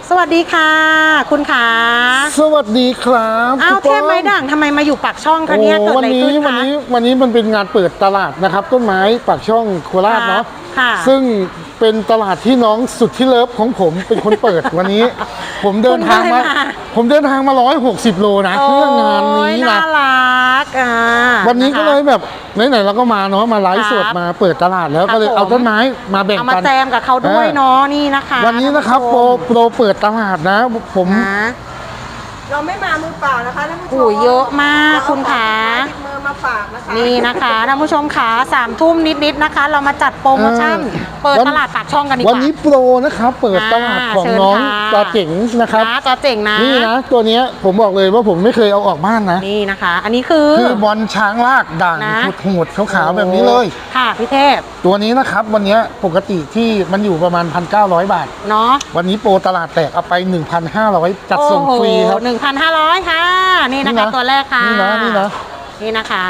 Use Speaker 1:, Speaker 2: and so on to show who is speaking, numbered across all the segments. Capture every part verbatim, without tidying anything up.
Speaker 1: สวัสดีค่ะคุณขา
Speaker 2: สวัสดีครับ
Speaker 1: อ้าวเทพไม้ด่างทำไมมาอยู่ปากช่องคะเนี่ยเกิดอะไรขึ้นคะ
Speaker 2: วันนี้วันนี้มันเป็นงานเปิดตลาดนะครับต้นไม้ปากช่องโคราชเนาะซึ่งเป็นตลาดที่น้องสุดที่เลิฟของผมเป็นคนเปิดวันนี้ ผมเดินทางมาผมเดินทางมาร้อยหกสิบโลนะเพื่องานนี้นะ
Speaker 1: น่ารักอ่า
Speaker 2: วันนี้ก็เลยแบบไหนๆเราก็มาเนาะมาไลฟ์สดมาเปิดตลาดแล้วก็เลยเอาต้นไม้มาแบ่งกันเอา
Speaker 1: มาแจมกับเขาด้วยเนาะนี่นะคะ
Speaker 2: วันนี้นะครับโปรโปรเปิดตลาดนะผม
Speaker 3: เราไม่มามือเปล่านะคะท่านผู้ชม
Speaker 1: โอ้เยอะมากคุณขา
Speaker 3: มือมาฝากนะคะ
Speaker 1: นี่นะคะท่านผู้ชมขาสามทุ่มนิดๆนะคะเรามาจัดโปรโมชั่นเปิดตลาดปากช่องกันดีกว่า
Speaker 2: วันนี้โปรนะครับเปิดตลาดของน้องจอเจ๋งนะครับ
Speaker 1: จอเจ๋งนะ
Speaker 2: นี่นะตัวนี้ผมบอกเลยว่าผมไม่เคยเอาออกบ้านนะ
Speaker 1: นี่นะคะอันนี้คือ
Speaker 2: คือบอลช้างลากด่างหูดๆขาวๆแบบนี้เลย
Speaker 1: ค่ะพี่เทพ
Speaker 2: ตัวนี้นะครับวันนี้ปกติที่มันอยู่ประมาณ หนึ่งพันเก้าร้อย บาท
Speaker 1: เนาะ
Speaker 2: วันนี้โปรตลาดแตกเอาไป หนึ่งพันห้าร้อย จัดส่งฟรีครับ
Speaker 1: หนึ่งพันห้าร้อย ค่ะนี่นะคะตัวแรกค่ะ
Speaker 2: นี่นะนี่นะ
Speaker 1: นี่นะคะ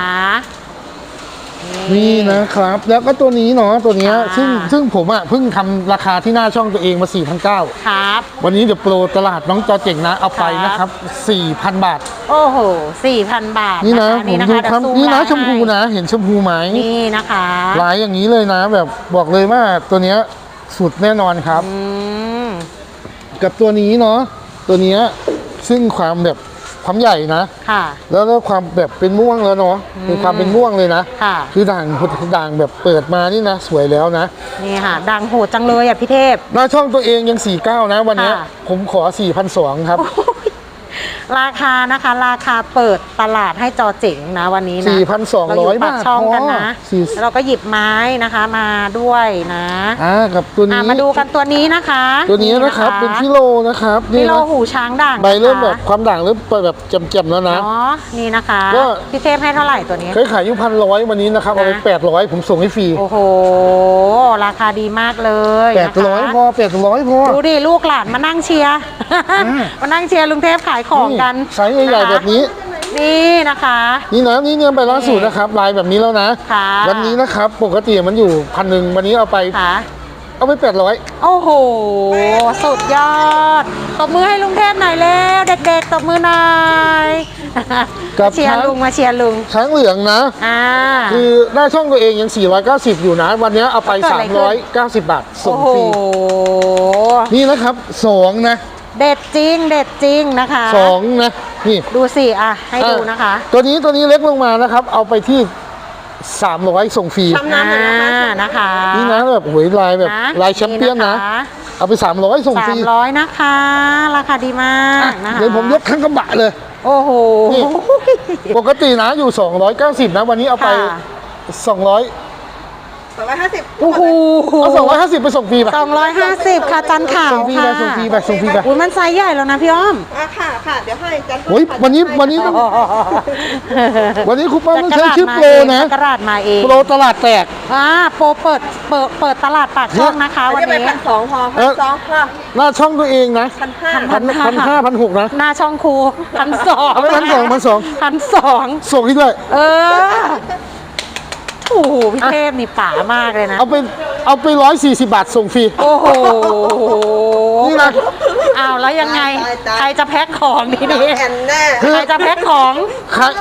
Speaker 2: นี่นะครับแล้วก็ตัวนี้เนาะตัวนี้ซึ่งซึ่งผมอ่ะเพิ่งทำราคาที่หน้าช่องตัวเองมา สี่พันเก้าร้อย
Speaker 1: ครับ
Speaker 2: วันนี้เดี๋ยวโปรตลาดน้องจอเจ๋งนะเอาไปนะครับ สี่พัน บาท
Speaker 1: โอ้โห สี่พัน บาท
Speaker 2: นี่นะผมดูครับนี่นะชมพูนะเห็นชมพูไหม
Speaker 1: นี่นะคะ
Speaker 2: ลายอย่างนี้เลยนะแบบบอกเลยว่าตัวนี้สุดแน่นอนครับกับตัวนี้เนาะตัวนี้ซึ่งความแบบความใหญ่นะ
Speaker 1: ค่ะ
Speaker 2: แล้วแล้วความแบบเป็นม่วงแล้วเนาะมีความเป็นม่วงเลยนะ
Speaker 1: ค่ะ
Speaker 2: คือด่างด่างแบบเปิดมานี่นะสวยแล้วนะ
Speaker 1: นี่ค่ะด่างโหดจังเลยอ่ะพี่เทพ
Speaker 2: หน้าช่องตัวเองยังสี่เก้านะวันนี้ผมขอ สี่พันสองร้อย ครับ
Speaker 1: ราคานะคะราคาเปิดตลาดให้จอเจ๋งนะวันนี้นะ
Speaker 2: สี่พันสองร้อย บาท
Speaker 1: ช่องกันนะแล้วเราก็หยิบไม้นะคะมาด้วยนะ
Speaker 2: อ่ากับตัวนี้
Speaker 1: มาดูกันตัวนี้นะคะ
Speaker 2: ตัวนี้นะครับเป็นฟิโลนะครับ
Speaker 1: ฟิโลหูช้างด่าง
Speaker 2: ใบเริ่มแบบความด่างเริ่มแบบแจ่มๆแล้วนะ
Speaker 1: อ๋อนี่นะคะพี่เทพให้เท่าไหร่ตัวนี้
Speaker 2: เคยขายอยู่พันร้อยวันนี้นะครับเอาไปแปดร้อยผมส่งให้ฟรี
Speaker 1: โอ้โหราคาดีมากเลย
Speaker 2: แปดร้อยพอแปดร้อยพอ
Speaker 1: ดูดิลูกหลานมานั่งเชียร์มานั่งเชียร์ลุงเทพขายของกัน
Speaker 2: ไซส์ใหญ่ๆแบบนี้
Speaker 1: นี่นะคะ
Speaker 2: นี่นะนี่เนี่ยไปล่าสุดนะครับลายแบบนี้แล้วนะวันนี้นะครับปกติมันอยู่พันหนึ่งวันนี้เอาไปเอาไปแปดร้อย
Speaker 1: โอ้โหสุดยอดตบมือให้ลุงเทพหน่อยแล้วเด็กๆตบมือหน่อยเชียร์ลุงมาเชียร์ลุง
Speaker 2: ช้างเหลืองนะคือหน้าช่องตัวเองยังสี่ร้อยเก้าสิบอยู่นะวันนี้เอาไปสามร้อยเก้าสิบบาทส่งฟรีนี่นะครับสองนะ
Speaker 1: เด็ดจริงเด็ดจริงนะคะ
Speaker 2: สองนะนี่
Speaker 1: ดูสิอ่ะให้ดูนะคะ
Speaker 2: ตัวนี้ตัวนี้เล็กลงมานะครับเอาไปที่สามร้อยส่งฟรี
Speaker 1: นะคะ
Speaker 2: นี่นะแบบหวยลายแบบลายแชมเปี้ยนนะเอาไปสามร้อยส่งฟรี
Speaker 1: สามร้อยนะคะราคาดีมากนะคะ
Speaker 2: เดี๋ยวผมยกทั้งกระบะเลย
Speaker 1: โอ้โห
Speaker 2: ปกตินะอยู่สองร้อยเก้าสิบนะวันนี้เอาไปสองร้อย
Speaker 3: สองร้อยห้าสิบ
Speaker 1: โอ้โห
Speaker 2: เอาสองร้อยห้าสิบไปส่งฟรีป่ะ
Speaker 1: สองร้อยห้าสิบค่ะจันข่าว
Speaker 2: ส่งฟรีไปส่งฟรีไปส่งฟรีไป
Speaker 1: อุ้ยมันไซส์ใหญ่แล้วนะพี่อ้อม
Speaker 3: อ่ะค่ะค่ะเดี๋ยวให้จัน
Speaker 2: โอ้ยวันนี้วันนี้วันนี้คุณป้าต้องใช้ชื่อโปรนะ
Speaker 1: ตลาดมาเอง
Speaker 2: โปรตลาดแตก
Speaker 1: อ่าโปรเปิดเปิดเปิดตลาดปากช่องนะคะวันนี้
Speaker 3: พันสองพอพันสองค่ะ
Speaker 2: หน้าช่องตัวเองนะ
Speaker 3: พันห้า
Speaker 2: พันพันห้าพันหกนะ
Speaker 1: หน้าช่องครูพันสอง
Speaker 2: พันสองพันสอง
Speaker 1: พันสอง
Speaker 2: ส่งให้ด้วย
Speaker 1: เออโอ้โหพี่เทพนี่ป่ามากเลยนะ
Speaker 2: เอาไปเอาไปร้อยสี่สิบบาทส่งฟรี
Speaker 1: โอ้โห
Speaker 2: นี่นะ
Speaker 1: อ้าวแล้วยังไงใครจะแพ็คของดีดีใครจะแพ็คของ
Speaker 2: ใคร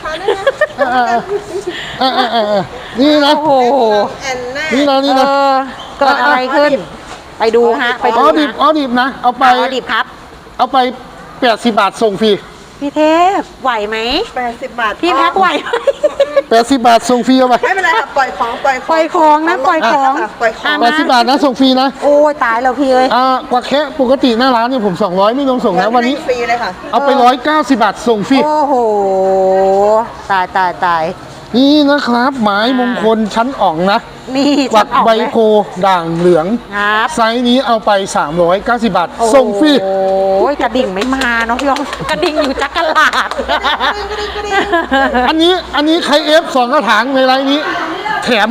Speaker 2: นี่นะ
Speaker 1: โอ้โห
Speaker 2: นี่นะนี่นะ
Speaker 1: เกิดอะไรขึ้นไปดูฮะไปดู
Speaker 2: อ๋อดิบอ๋อดิบนะเอาไป
Speaker 1: อ๋อดิบครับ
Speaker 2: เอาไปแปดสิบบาทส่งฟรี
Speaker 1: พี่เทพไหวไหม
Speaker 3: แปดสิบบาท
Speaker 1: พี่แพ็คไหวไหม
Speaker 2: แปดสิบบาทส่งฟรีเอาไป
Speaker 3: ไม่เป็นไรค่ะปล่อยของปล่อย
Speaker 1: ปล่อยของนะปล่อยของ
Speaker 3: ปล่อยของ
Speaker 2: แปดสิบบาทนะส่งฟรีนะ
Speaker 1: โอ้ยตายแล้วพี่เอ้ย
Speaker 2: อ่ากว่าแค่ปกติหน้าร้านเนี่ยผมสองร้อยไม่รวมส่งนะวันนี้
Speaker 3: ฟรีเลยค่ะ
Speaker 2: เอาไปร้อยเก้าสิบบาทส่งฟรี
Speaker 1: โอ้โหตายตายตาย
Speaker 2: นี่นะครับไม้มงคลชั้นอ่องนะ
Speaker 1: นี่
Speaker 2: กวักใบโพด่างเหลืองไซส์นี้เอาไปสามร้อยเก้าสิบบาทส่งฟรี
Speaker 1: โอ้ยกระดิ่งไม่มาเนาะพี่อ้อมกระดิ่งอยู่จักรลาด
Speaker 2: อันนี้อันนี้ใครเอฟสองกระถางในไลน์นี้แถม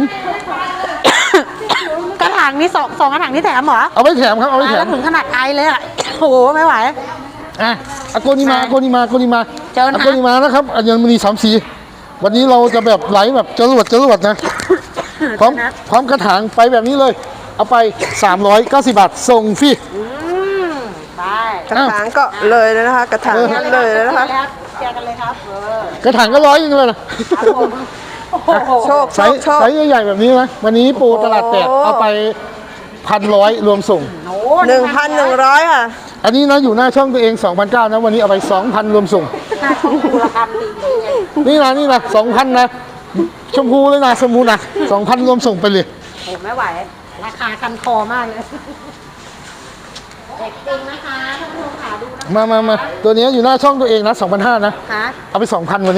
Speaker 1: กระถางนี้สองสองกระถางนี้แถมเหรอ
Speaker 2: เอาไปแถมครับเอาไปแถม
Speaker 1: ถึงขนาดไอเลยอ่ะโอ้โหไม่ไหว
Speaker 2: อ่ะอโกนิมาอโกนิมาอโกนิมา
Speaker 1: เจอนะ
Speaker 2: อโกนิมานะครับอัญมณีสามสีวันนี้เราจะแบบไหลแบบจรวดจรวดนะพร้อมพร้อมกระถางไปแบบนี้เลยเอาไปสามร้อยเก้าสิบบาทส่งฟรี
Speaker 1: ไป
Speaker 3: กระถางก็เลยเลยนะคะ กระถางนั้นเลยเลยนะคะ
Speaker 1: แจกกันเลยครับเออก
Speaker 2: ระถางก็ร้อยยังเลยนะ
Speaker 1: โอ้โห
Speaker 3: โชคโช
Speaker 2: ไซ
Speaker 3: ค
Speaker 2: ส์
Speaker 3: โชค
Speaker 2: ไซส์ใหญ่ๆแบบนี้นะวันนี้ปูตลาดแตก
Speaker 3: โอ้โห
Speaker 2: เอาไปพันร้อยรวมส่ง
Speaker 1: โอ้
Speaker 3: หนึ่งพันหนึ่งร้อยค่ะ
Speaker 2: อันนี้นะอยู่หน้าช่องตัวเองสองพันเก้านะวันนี้เอาไปสองพันรวมส่ง
Speaker 1: หน้าช่องดูราคาดีไง
Speaker 2: นี่นะนี่นะสองพันนะชมพูเลยนะสมูนะสองพันรวมส่งไปเลย
Speaker 1: โอ้ไม่ไหว ราคาคันคอมากเลยเด็กจริงนะคะท่านผู้ชมขาดูนะ
Speaker 2: มามามาตัวนี้อยู่หน้าช่องตัวเองนะสองพันห้านะ
Speaker 1: คะ
Speaker 2: เอาไปสองพันวันนี้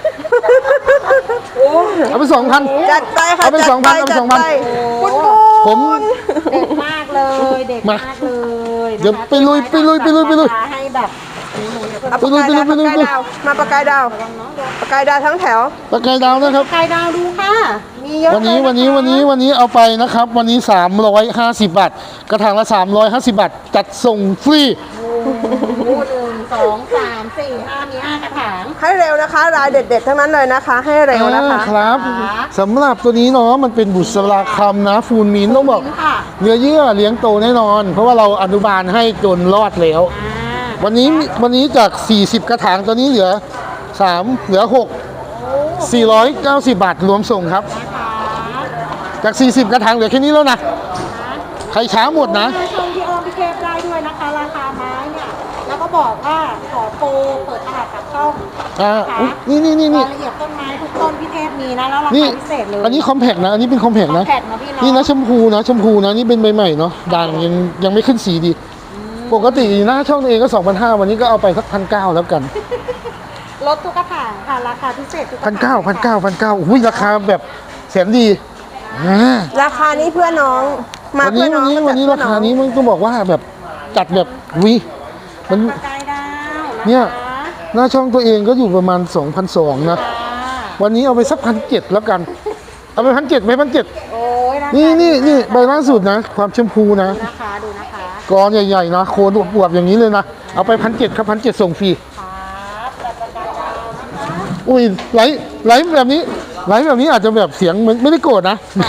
Speaker 2: เอาไปสองพัน
Speaker 3: จัดไปค่ะ
Speaker 2: เอาไป
Speaker 3: จัด
Speaker 2: สองพันเอาไป
Speaker 3: จัด
Speaker 2: สองพัน
Speaker 3: คุณ
Speaker 2: ผม
Speaker 1: เด็กมากเลยเด็กมากเลยนะคะ
Speaker 2: เดี๋ยวไปลุยไปลุยไปลุยไปลุย
Speaker 1: ให้แบบหนูๆเนี่ย
Speaker 3: เอาปากกายดาวปากกายดาวมาปากกายดาวปากกายดาวทั้งแถว
Speaker 2: ปากกายดาวนะครับ
Speaker 1: ไก่ดาวดูค่ะ มีเยอะ
Speaker 2: วันนี้
Speaker 1: เลยะคะ
Speaker 2: วันนี้วันนี้วันนี้เอาไปนะครับ วันนี้สามร้อยห้าสิบบาทกระถางละสามร้อยห้าสิบบาทจัดส่งฟรี
Speaker 1: โอ้โหหนึ่งสองสามสี่ห้ามีห้ากระถาง
Speaker 3: ให้เร็วนะคะ รายเด็ดๆทั้งนั้นเลยนะคะ ให้เร็วนะคะ
Speaker 2: อ่าครับ
Speaker 1: ค่ะ
Speaker 2: สำหรับตัวนี้เนาะมันเป็นบุษราคำนะฟูลมินต้องบอก
Speaker 1: ค่ะ
Speaker 2: เนื้อเยื่อเลี้ยงโตแน่นอน เพราะว่าเราอนุบาลให้จนรอดแล้ว
Speaker 1: อ่า
Speaker 2: วันนี้วันนี้จาก สี่สิบ กระถางตัวนี้เหลือ สาม เหลือ หก สี่ร้อยเก้าสิบบาทรวมส่งครับ
Speaker 1: นะคะ
Speaker 2: จาก สี่สิบ กระถางเหลือแค่นี้แล้วนะ ใครช้าหมดนะ
Speaker 1: ชมพี่อ้อมพี่เคฟได้ด้วยนะคะ ราคาไม้เนี่ย แล้วก็บอกว่าขอโปรเปิดตลาดกับช่อง
Speaker 2: อ่าอุ๊ยนี่นี่นี่
Speaker 1: รา
Speaker 2: นี่
Speaker 1: ยละเอียดต้นไม้ทุกต้นพี่เทพมีนะ แล้วรา
Speaker 2: นี่
Speaker 1: คาพิเศษเลย
Speaker 2: อันนี้คอมแพกนะ อันนี้เป็นคอมแพกนะ
Speaker 1: แผ่นมาพี่เนาะ
Speaker 2: นี่นะชมพูนะชมพูนะนี่เป็นใบใหม่เนาะด่างยังยังไม่ขึ้นสีดี ปกติหน้าช่องตัวเองก็ สองพันห้าร้อย วันนี้ก็เอาไปสักพันเก้าแล้วกัน
Speaker 1: ลดทุกกระถางค่ะ ราคาพิเศษทุกกระ
Speaker 2: พัน
Speaker 1: ถา
Speaker 2: เก้าง พันเก้าพันเก้าอุ้ยราคาแบบแสนดีอ่า
Speaker 3: ราคานี้เพื่อน้อง มา
Speaker 2: วัน
Speaker 3: เพื่
Speaker 2: นี้
Speaker 3: อน้
Speaker 2: วั
Speaker 3: อน ง
Speaker 2: นี้
Speaker 3: มา
Speaker 2: วันนี้
Speaker 3: จั
Speaker 2: รา
Speaker 3: ดเพื่อ
Speaker 2: คา
Speaker 3: อง
Speaker 2: นี้มันต้องบอกว่าแบบจัดแบบวิมัน
Speaker 1: ปากกายดาวะคะ
Speaker 2: เนี่ย หน้าช่องตัวเองก็อยู่ประมาณ สองพันสองร้อย นะ
Speaker 1: ค่ะ
Speaker 2: วันนี้เอาไปสักพันเจ็ดแล้วกัน เอาไปพันเจ็ดไหมพันเจ็ด
Speaker 1: โอ้ยราคา
Speaker 2: นี่นี่นี่ใบล่าสุดนะ ความชมพูนะ
Speaker 1: ดูนะคะดูนะคะ
Speaker 2: กรใหญ่ๆนะโคนอวบๆอย่างนี้เลยนะ เอาไปพันเจ็ดครับพันเจ็ดส่งฟรี
Speaker 1: ครับแต่ปากกายดาวนะคะ
Speaker 2: อุ้ยไหลไหลแบบนี้ไหลแบบนี้อาจจะแบบเสียงมันไม่ได้โกรธนะ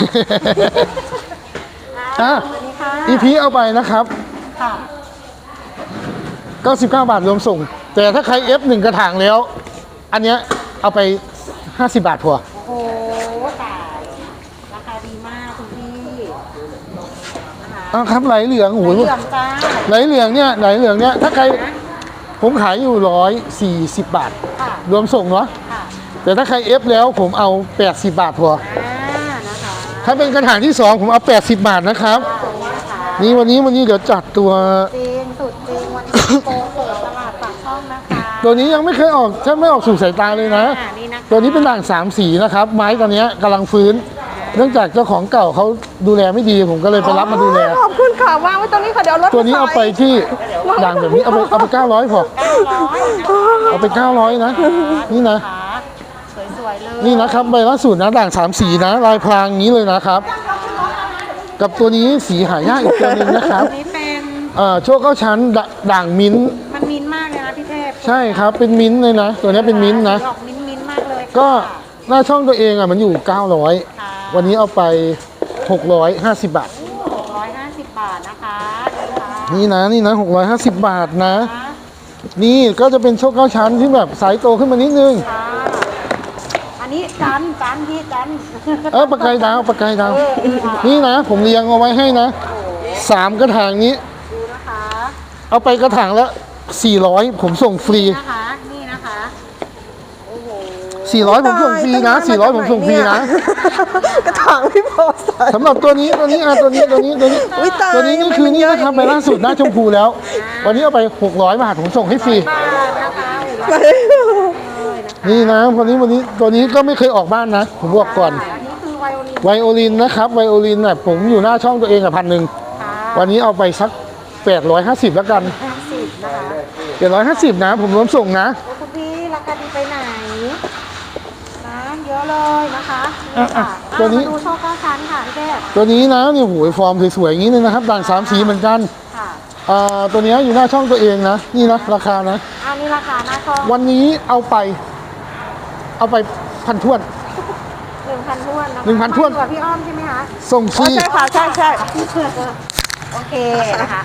Speaker 2: อ่ะ
Speaker 1: สวัสดีค่ะ
Speaker 2: อีพีเอาไปนะครับ
Speaker 1: ค่ะ
Speaker 2: เก้าสิบเก้าบาทรวมส่ง แต่ถ้าใคร เอฟ หนึ่ง กระถางแล้ว อันเนี้ยเอาไป ห้าสิบบาทพอ
Speaker 1: โอ้โหตายราคาดีมากคุณพี่นะคะ
Speaker 2: อ้าวครับไหลเหลืองโอ้โห
Speaker 1: เหลืองจ้า
Speaker 2: ไหลเหลืองเนี่ยไหลเหลืองเนี่ยถ้าใครผมขายอยู่ร้อยสี่สิบบาท
Speaker 1: ค่ะ
Speaker 2: รวมส่งเนาะ
Speaker 1: ค่ะ
Speaker 2: แต่ถ้าใคร เอฟ แล้วผมเอาแปดสิบบาทพอ
Speaker 1: อ่านะคะ
Speaker 2: ถ้าเป็นกระถางที่สองผมเอาแปดสิบบาทนะครับ
Speaker 1: ค่ะ
Speaker 2: นี่วันนี้วันนี้เดี๋ยวจัดตัว
Speaker 1: จริงสุดจริงวันนี้โปรเปิดตลาดปากช่องนะคะ
Speaker 2: ตัวนี้ยังไม่เคยออกถ้าไม่ออกสู่สายตาเลยนะ
Speaker 1: อ่านี่นะคะ
Speaker 2: ตัวนี้เป็นด่างสามสีนะครับ ไม้ตัวเนี้ยกำลังฟื้น เนื่องจากเจ้าของเก่าเขาดูแลไม่ดีผมก็เลยไปรับมาดูแล
Speaker 3: ขอบคุณค่ะวางไว้ตรงนี้ค่ะเดี๋ยวรถ
Speaker 2: ตัวนี้เอาไปที่ด่างแบบนี้เอาไปเอาไปเก้าร้อยพอ
Speaker 1: เก้าร้อยนะคะ
Speaker 2: เอาไปเก้าร้อยนะ นี่นะ
Speaker 1: สวยๆเลย
Speaker 2: นี่นะครับใบล่าสุดนะด่างสามสีนะ ลายพรางอย่างนี้เลยนะครับ กับตัวนี้สีหายากอีกตัวหนึงนะครับ
Speaker 1: อันนี้เป็น
Speaker 2: เอ่อโชคเก้าชั้นดด่างมิ้นท์
Speaker 1: มันมินท์มากเลยนะพี่เทพ
Speaker 2: ใช่ครับเป็นมิ้นท์เลยนะ ตัวนี้เป็นมิ้นท์นะ
Speaker 1: ออกมิ้นท์มิ้นท์มากเลย
Speaker 2: ก็หน้าช่องตัวเองอ่ะมันอยู่เก้าร้อย
Speaker 1: ค่ะ
Speaker 2: วันนี้เอาไปหกร้อยห้าสิบบาท
Speaker 1: หกร้อยห้าสิบบาทนะคะ
Speaker 2: นี่นะนี่นะหกร้อยห้าสิบบาทนะ
Speaker 1: ค่ะ
Speaker 2: นี่ก็จะเป็นโชคเก้าชั้นที่แบบสายโตขึ้นมานิดนึง
Speaker 1: ค่ะอันนี้จันจันพี่จัน
Speaker 2: เออปากกายดาวปากกายดาว
Speaker 1: เออเออค่ะ
Speaker 2: นี่นะ ผมเรียงเอาไว้ให้นะสามกระถางนี้
Speaker 1: ดูนะคะ
Speaker 2: เอาไปกระถางละสี่ร้อยผมส่งฟรี
Speaker 1: นี่นะคะนี่นะคะโอ้โห
Speaker 2: สี่ร้อยผมส่งฟรีนะสี่ร้อยผมส่งฟรีนะ
Speaker 3: กระถางพี่พอใส่
Speaker 2: สำหรับตัวนี้ตัวนี้อ่ะตัวนี้ตัวนี้ตัวนี้
Speaker 3: อุ๊ยตาย
Speaker 2: ตัวนี้นี่คือนี่นะครับใบล่าสุดหน้าชมพูแล้ว วันนี้เอาไปหกร้อยบาทผมส่งให้ฟรี
Speaker 1: บาทนะคะโอ้โห
Speaker 3: ไป
Speaker 1: เลยนะคะ
Speaker 2: นี่นะวันนี้วันนี้ตัวนี้ก็ไม่เคยออกบ้านนะ ผมบอกก่อน
Speaker 1: อันนี้คือไวโอลิน
Speaker 2: ไวโอลินนะครับไวโอลินน่ะผมอยู่หน้าช่องตัวเองอ่ะพันหนึ่ง
Speaker 1: ค่ะ
Speaker 2: วันนี้เอาไปสักแปดร้อยห้าสิบแล้วกัน
Speaker 1: ห้าสิบนะคะ
Speaker 2: แปดร้อยห้าสิบนะ ผมรวมส่งนะ
Speaker 1: โอ้คุณพี่ราคาดีไปไหนนะเยอะเลยนะคะนี่ค่ะ
Speaker 2: อ่ะตัวนี้
Speaker 1: อ่ะมาดูโชคเก้าชั้นค่ะพี่เทพ
Speaker 2: ตัวนี้นะเนี่ยโหยฟอร์มสวยๆอย่างนี้เลยนะครับด่างสามสีเหมือนกัน
Speaker 1: ค่ะ
Speaker 2: อ่าตัวนี้อยู่หน้าช่องตัวเองนะนี่นะราคานะ
Speaker 1: อันนี้ราคาหน้าช่อง
Speaker 2: วันนี้เอาไป เอาไปพันท้วน
Speaker 1: หนึ่งพันท้วนนะคะ
Speaker 2: หนึ่งพันถ้วน
Speaker 1: มาอยู่กับพี่อ้อมใช่ไหมคะ
Speaker 2: ส่งฟ
Speaker 3: อ๋อ
Speaker 2: รี
Speaker 3: ใช่ค่ะใช่ใช่
Speaker 1: โอเคนะคะอ่ะ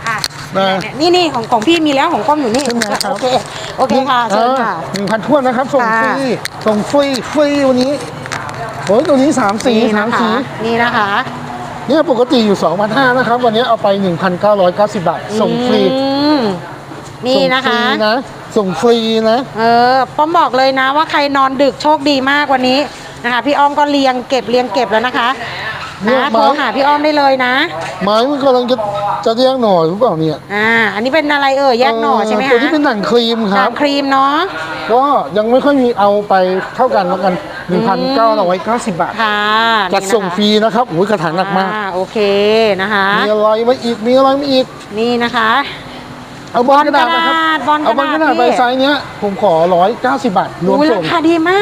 Speaker 2: นะ
Speaker 1: นี่นี่ของของพี่มีแล้วของก้อมอยู่นี่
Speaker 2: ใช่ไหมครับ
Speaker 1: โอเคโอเคค่ะเชิญค่ะ
Speaker 2: หนึ่งพันถ้วนนะครับ ส่งฟรี
Speaker 1: ค่ะ
Speaker 2: ส่งฟรีฟรีวันนี้โอ้ยตัวนี้สามสี
Speaker 1: นี่
Speaker 2: สา
Speaker 1: นะ
Speaker 2: ม
Speaker 1: คะ
Speaker 2: สี
Speaker 1: นี่นะคะ
Speaker 2: เนี่ยปกติอยู่ สองพันห้าร้อย นะครับ วันนี้เอาไป หนึ่งพันเก้าร้อยเก้าสิบ บาท ส่งฟรี
Speaker 1: อืมนี่นะคะ
Speaker 2: ส่งฟรีนะ ส่งฟรีนะ
Speaker 1: เออป้อมบอกเลยนะว่าใครนอนดึกโชคดีมากวันนี้นะคะพี่อ้อมก็เรียงเก็บเรียงเก็บแล้วนะคะ
Speaker 2: เนี่ย
Speaker 1: นะ
Speaker 2: ไม้
Speaker 1: โทรหาพี่อ้อมได้เลยนะ
Speaker 2: ไม้มันกำลังจะจะแยกหน่อหรือเปล่าเนี่ย
Speaker 1: อ่าอันนี้เป็นอะไรเอ่ยแยกหน่อใช่ไหม
Speaker 2: ตัว
Speaker 1: คะ
Speaker 2: นี้เป็นหนังครีมค
Speaker 1: หนั
Speaker 2: รับ
Speaker 1: งครีมเนาะ
Speaker 2: ก็ยังไม่ค่อยมีเอาไปเท่ากันแล้วกัน หนึ่งพันเก้าร้อยเก้าสิบ บาท
Speaker 1: ค่ะ
Speaker 2: จัดส่งฟรีนะครับโอ้ยกระถางหนักมาก
Speaker 1: อ่โอเคนะคะ
Speaker 2: มีอะไรมาอีก มีอะไรมาอีก
Speaker 1: นี่นะคะ
Speaker 2: เอาบอลกระดาษนะครับ
Speaker 1: บอลกระดาษ
Speaker 2: เอาบอลกระดาษ
Speaker 1: พี่
Speaker 2: ใบไซส์เนี้ย ผมขอร้อยเก้าสิบบาท รวม
Speaker 1: อุ๊ย
Speaker 2: ส่
Speaker 1: ราง คาดีมาก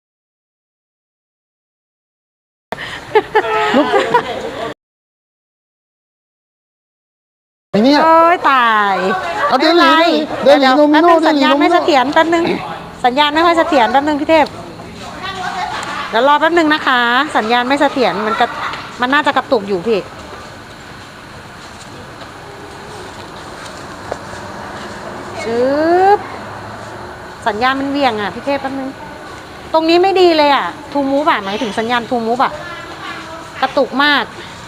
Speaker 2: ไอ้เนี่ย
Speaker 1: โอ้ยตาย
Speaker 2: เอาเด
Speaker 1: ไม่
Speaker 2: ลี่
Speaker 1: เป็นไร
Speaker 2: เดลี่
Speaker 1: เดี๋ยว
Speaker 2: โนมิ
Speaker 1: แป๊บ
Speaker 2: โน
Speaker 1: นึง
Speaker 2: เด
Speaker 1: สัญ
Speaker 2: ลี่
Speaker 1: ญาณ
Speaker 2: โนมิ
Speaker 1: ไม่
Speaker 2: โน
Speaker 1: เสถียรแป๊บนึงสัญญาณไม่ค่อยเสถียรแป๊บนึงพี่เทพเดี๋ยวรอแป๊บนึงนะคะ สัญญาณไม่เสถียรมันกระมันน่าจะกระตุกอยู่พี่จึ๊บสัญญาณมันเวี่ยงอ่ะพี่เทพแป๊บนึงตรงนี้ไม่ดีเลยอ่ะทูมูฟอ่ะหมายถึงสัญญาณทูมูฟอ่ะกระตุกมาก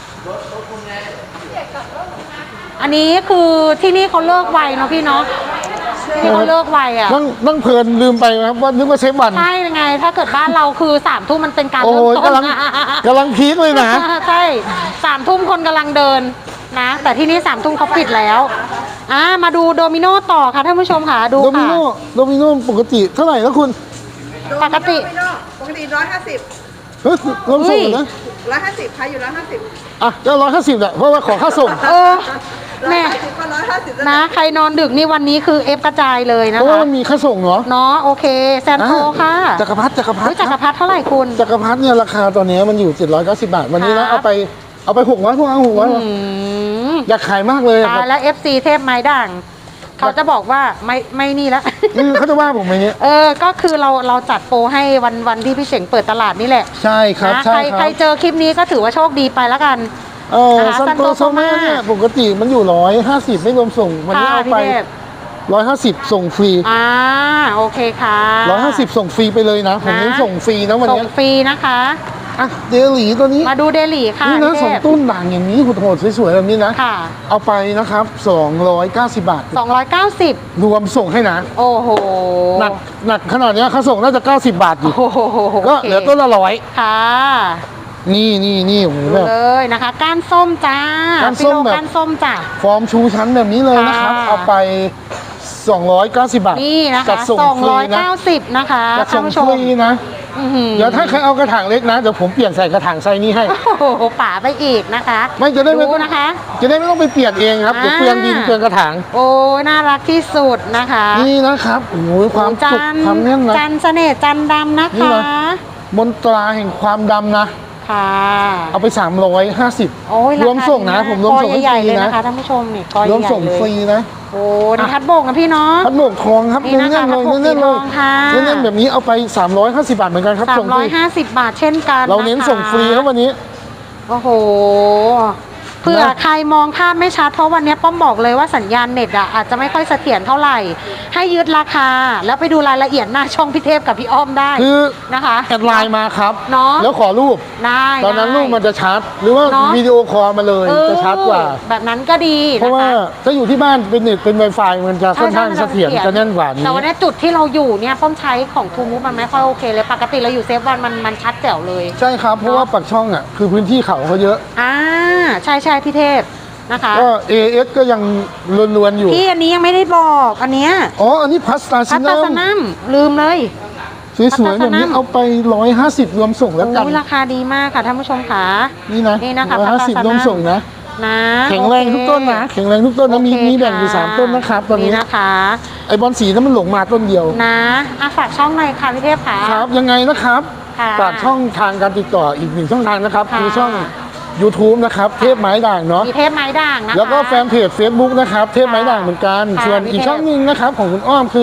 Speaker 1: อันนี้คือที่นี่เขาเลิกไวเนาะพี่เนาะที่นี่เขาเลิกไวอ่ะ
Speaker 2: นั่งนั่งเพลินลืมไปนะครับว่านึกว่าเชฟวัน
Speaker 1: ใช่ไงถ้าเกิดบ้านเราคือสามทุ่มมันเป็นการ
Speaker 2: โอ้
Speaker 1: เริ่ม
Speaker 2: ย
Speaker 1: ต้น
Speaker 2: กำลังกำลังพีคเลยนะ
Speaker 1: ใช่สามทุ่มคนกำลังเดินนะ แต่ที่นี่สามทุ่มเขาปิดแล้วอ่ามาดูโดมิโนต่อค่ะท่านผู้ชมค่ะดู
Speaker 2: โดมิ
Speaker 1: ค่ะ
Speaker 2: โนโดมิโนปกติเท่าไหร่แล้วคุณ
Speaker 1: ปกติ
Speaker 3: ปกติร้อยห้าสิบ
Speaker 2: เฮ้ยรวมส่งนะ
Speaker 3: ร้อยห้าสิบใครอยู่ร้อยห้าสิบ
Speaker 2: อ่ะก็ร้อยห้าสิบแหละเพราะว่าขอค่าส่ง
Speaker 1: เออแม่
Speaker 3: สิบก็ร้อยห้าสิบ
Speaker 1: นะใครนอนดึกนี่วันนี้คือเอฟกระจายเลย
Speaker 2: เพ
Speaker 1: นะ
Speaker 2: ราะว่า
Speaker 1: คะ
Speaker 2: มันมีค่าส่งเนาะ
Speaker 1: เนาะโอเคแซนโทค่ะ
Speaker 2: จักรพรรดิจักรพรร
Speaker 1: เฮ้
Speaker 2: ดิ
Speaker 1: ยจักรพรรดิเท่าไหร่คุณ
Speaker 2: จักรพรรดิเนี่ยราคาตอนนี้มันอยู่เจ็ดร้อยเก้าสิบบาท วันนี้นะ
Speaker 1: ครั
Speaker 2: เอา
Speaker 1: บ
Speaker 2: ไปเอาไปหกร้อยพวกเอาหกร้อย
Speaker 1: อืม
Speaker 2: อยากขายมากเลยอะค
Speaker 1: ตา
Speaker 2: รั
Speaker 1: ย
Speaker 2: บ
Speaker 1: แล้ว เอฟ ซี เทพไม้ด่าง เขาจะบอกว่าไม่ไม่นี่แล้ว
Speaker 2: อืมเขาจะว่าผมไหมเนี่ย
Speaker 1: เออ ก็คือเราเราจัดโปรให้วันวันที่พี่เฉ่งเปิดตลาดนี่แหละ
Speaker 2: ใช่ครับ
Speaker 1: นะ
Speaker 2: ใช่
Speaker 1: ใคร
Speaker 2: ค
Speaker 1: ใคร
Speaker 2: รับ
Speaker 1: เจอคลิปนี้ก็ถือว่าโชคดีไปแล้วกัน
Speaker 2: เออ
Speaker 1: นะคะ
Speaker 2: ซันโต
Speaker 1: Santo
Speaker 2: โซมา
Speaker 1: Soma
Speaker 2: เนี่ยปกติมันอยู่ร้อยห้าสิบไม่รวมส่ง วันนี้
Speaker 1: ค่ะ
Speaker 2: เอา
Speaker 1: พี่
Speaker 2: ไป
Speaker 1: เทพ
Speaker 2: ร้อยห้าสิบส่งฟรี
Speaker 1: อ่าโอเคค่ะ
Speaker 2: ร้อยห้าสิบส่งฟรีไปเลยนะ ผมเน้นส่งฟรีนะวัน
Speaker 1: ส่ง
Speaker 2: นี้
Speaker 1: ฟรีนะคะ
Speaker 2: อ่ะเดลีตัวนี้
Speaker 1: มาดูเดลี่ค่ะ
Speaker 2: นี่นะ
Speaker 1: พี่
Speaker 2: สอง
Speaker 1: เทพ
Speaker 2: ตุ้นด่างอย่างนี้โหดๆสวยๆแบบนี้นะ
Speaker 1: ค่ะ
Speaker 2: เอาไปนะครับสองร้อยเก้าสิบบาท
Speaker 1: สองร้อยเก้าสิบ
Speaker 2: รวมส่งให้นะ
Speaker 1: โอ้โห
Speaker 2: หนักหนักขนาดเนี้ยเขาส่งน่าจะเก้าสิบบาทอยู่
Speaker 1: โอ้โห
Speaker 2: ก็เหลือต้นละร้อย
Speaker 1: ค่ะ
Speaker 2: นี่นี่นี่โอ้โห
Speaker 1: ดู
Speaker 2: แบบ
Speaker 1: เลยนะคะก้านส้มจ้า
Speaker 2: ก้านส้ม
Speaker 1: ฟิโล
Speaker 2: แบบ
Speaker 1: ก้านส้มจ้ะ
Speaker 2: ฟอร์มชูชั้นแบบนี้เลยนะครับ
Speaker 1: ค่ะ
Speaker 2: เอาไปสองร้อยเก้าสิบบาท
Speaker 1: นี่นะ
Speaker 2: จั
Speaker 1: คะ
Speaker 2: ดส่ง
Speaker 1: สอง
Speaker 2: ฟรี
Speaker 1: ร้อย
Speaker 2: นะ
Speaker 1: เก้าสิบนะคะ
Speaker 2: จัด
Speaker 1: ท่า
Speaker 2: ส่
Speaker 1: น
Speaker 2: ง
Speaker 1: ผู้ช
Speaker 2: ฟ
Speaker 1: ม
Speaker 2: รีนะ
Speaker 1: อื้อหือ
Speaker 2: เดี๋ยวถ้าใครเอากระถางเล็กนะเดี๋ยวผมเปลี่ยนใส่กระถางไซส์นี้ให้
Speaker 1: โอ้โหป่าไปอีกนะคะ
Speaker 2: ไม่จะได้ไม่
Speaker 1: ดูนะคะ
Speaker 2: จะได้ไม่ต้องไปเปลี่ยนเองครับเดี๋ยว
Speaker 1: อ่า
Speaker 2: เปลืองดินเปลืองกระถาง
Speaker 1: โอ้ยน่ารักที่สุดนะคะ
Speaker 2: นี่นะครับโอ้โหความ
Speaker 1: จั
Speaker 2: สุข
Speaker 1: น
Speaker 2: ความแน่นนะ
Speaker 1: จันเสน่ห์จันดำนะ
Speaker 2: นี่
Speaker 1: คะ
Speaker 2: นะ มนตราแห่งความดำนะ
Speaker 1: ค่ะ
Speaker 2: เอาไปสามร้อยห้าสิบ
Speaker 1: โอ้ยาร
Speaker 2: วมส่งนะ
Speaker 1: คาดีาก
Speaker 2: ผมรวมส่ง
Speaker 1: กอ
Speaker 2: ให้
Speaker 1: ใหญ่
Speaker 2: ฟรี
Speaker 1: ๆเลย
Speaker 2: นะ
Speaker 1: นะคะท่านผู้ชมนี่กอ
Speaker 2: รวม
Speaker 1: ใหญ่
Speaker 2: ส่ง
Speaker 1: ๆเล
Speaker 2: ฟรี
Speaker 1: ย
Speaker 2: นะ
Speaker 1: โอ้นี่ทัดโบกนะพี่เนาะ
Speaker 2: พัดหมวกทองครับ
Speaker 1: นี่
Speaker 2: เน้
Speaker 1: นะคะ
Speaker 2: นๆเลย
Speaker 1: พัดหมวก
Speaker 2: เน้นๆเลย
Speaker 1: สีทองค่ะ
Speaker 2: เน้นๆแบบนี้เอาไปสามร้อยห้าสิบบาทเหมือนกันครับ
Speaker 1: สา
Speaker 2: ส่
Speaker 1: ม
Speaker 2: งฟ
Speaker 1: ร้อย
Speaker 2: รี
Speaker 1: ห้าสิบบาทเช่นกัน
Speaker 2: เราเน้นส่งฟรีครับวันนี้
Speaker 1: โอ้โหเผื่อใครมองภาพไม่ชัดเพราะวันนี้ป้อมบอกเลยว่าสัญญาณเน็ตอ่ะอาจจะไม่ค่อยเสถียรเท่าไหร่ ให้ยึดราคา แล้วไปดูรายละเอียดหน้าช่องพี่เทพกับพี่อ้อมได้
Speaker 2: คือ
Speaker 1: นะคะ
Speaker 2: แอดไลน์มาครับ
Speaker 1: เนาะ
Speaker 2: แล้วขอรูป
Speaker 1: ได้
Speaker 2: ตอนนั้น
Speaker 1: ได้
Speaker 2: รูปมันจะชัด หรือว่า
Speaker 1: เนอะ
Speaker 2: วิดีโอคอลมาเลย
Speaker 1: เออ
Speaker 2: จะชัดกว่า
Speaker 1: แบบนั้นก็ดี
Speaker 2: เพราะ
Speaker 1: นะ
Speaker 2: ว่า
Speaker 1: คะ
Speaker 2: ถ้าอยู่ที่บ้านเป็นเน็ตเป็น Wi-Fi มันจะค่อนข้างเสถียรจะแน่นกว่านี้
Speaker 1: แต่วันนี้จุดที่เราอยู่เนี่ยป้อมใช้ของทูมูฟมันไม่ค่อยโอเคเลย ปกติเราอยู่เซฟวันมันมันชัดแจ๋วเลย
Speaker 2: ใช่ครับ เพราะว่าปักช่องอ่ะคือพื้นที่เขาเขาเยอะ
Speaker 1: อ่าใช่ใช่พี่เทพนะคะ
Speaker 2: ก็ เอ เอส ก็ยังล้วนๆอยู่
Speaker 1: พี่อันนี้ยังไม่ได้บอกอันเนี้ย
Speaker 2: อ๋อ อันนี้พัสตา
Speaker 1: พั
Speaker 2: ชิ
Speaker 1: ต
Speaker 2: นั
Speaker 1: ตาส
Speaker 2: ม
Speaker 1: นัมลืมเลย
Speaker 2: สวยๆแบบนี้
Speaker 1: พัสตาสนัม
Speaker 2: เอาไปร้อยห้าสิบรวมส่งแล้วกัน
Speaker 1: โอ้ยราคาดีมากค่ะท่านผู้ชมค่ะ
Speaker 2: นี่นะ
Speaker 1: นี่นะคะ
Speaker 2: ร้อยห้าสิบ
Speaker 1: พัสตาสนัม
Speaker 2: รวมส่งนะ
Speaker 1: นะ
Speaker 2: แข็งแรงทุกต้นนะ แข็งแรงทุกต้นนะมี
Speaker 1: โอเค
Speaker 2: มีแบ่งอยู่
Speaker 1: ค่ะ
Speaker 2: สามต้นนะครับตอนนี้
Speaker 1: นะคะ
Speaker 2: ไอบอลสีนั้นมันหลงมาต้นเดียว
Speaker 1: นะอ่ะฝากช่องหน่อยค่ะพี่เทพค่ะ
Speaker 2: ครับยังไงนะครับ
Speaker 1: ค่ะ
Speaker 2: ฝากช่องทางการติดต่ออีกหนึ่งช่องทางนะครับ
Speaker 1: ค่ะ
Speaker 2: คือช่อง YouTube นะครับ เทพไม้ด่างเนาะ
Speaker 1: มีเทพไม้ด่างนะคะ
Speaker 2: แล้วก็แฟนเพจ Facebook นะครับ เทพไม้ด่างเหมือนกัน
Speaker 1: ค่ะ
Speaker 2: ส่วน
Speaker 1: พี่
Speaker 2: อีก
Speaker 1: เทพ
Speaker 2: ช่องหนึงนะครับของคุณอ้อมคือ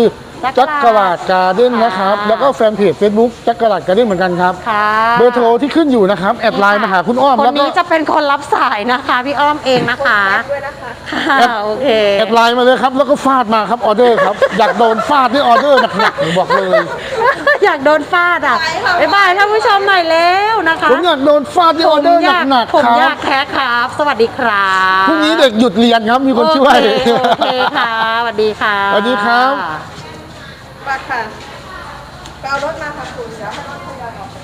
Speaker 2: จักรลาดการ์เด้นนะครับแล้วก็แฟนเพจ Facebook จักรลาดการ์เด้นเหมือนกันครับ
Speaker 1: ค่ะ
Speaker 2: เบอร์โทรที่ขึ้นอยู่นะครับแอดไลน์มาหาคุณอ้อม
Speaker 1: คน
Speaker 2: แล้วก็
Speaker 1: นี้จะเป็นคนรับสายนะคะพี่อ้อมเองนะคะ
Speaker 3: ด้วยนะคะ
Speaker 1: ค่ะโอเค
Speaker 2: แอดไลน์มาเลยครับแล้วก็ฟาดมาครับออเดอร์ครับ อยากโดนฟาดนี่ออเดอร์หนักๆผมบอกเลย
Speaker 1: อยากโดนฟาดอ่ะบ๊ายบายท่านผู้ชมหน่อยแล้วนะคะ
Speaker 2: ผมอยากโดนฟาดนี่ออเดอร์หนัก
Speaker 1: ผม
Speaker 2: ๆค
Speaker 1: อ
Speaker 2: รั
Speaker 1: ยา
Speaker 2: บ
Speaker 1: กแคร์ครับ สวัสดีครับ
Speaker 2: พรุ่งนี้เด็กหยุดเรียนครับมีคนช่วย
Speaker 1: โอเคโอเคค่ะสวัสดีค่ะ
Speaker 2: สวัสดีครับ
Speaker 3: มาค่ะไปเอารถมาค่ะคุณเดี๋ยวให้รถทยอยออกไป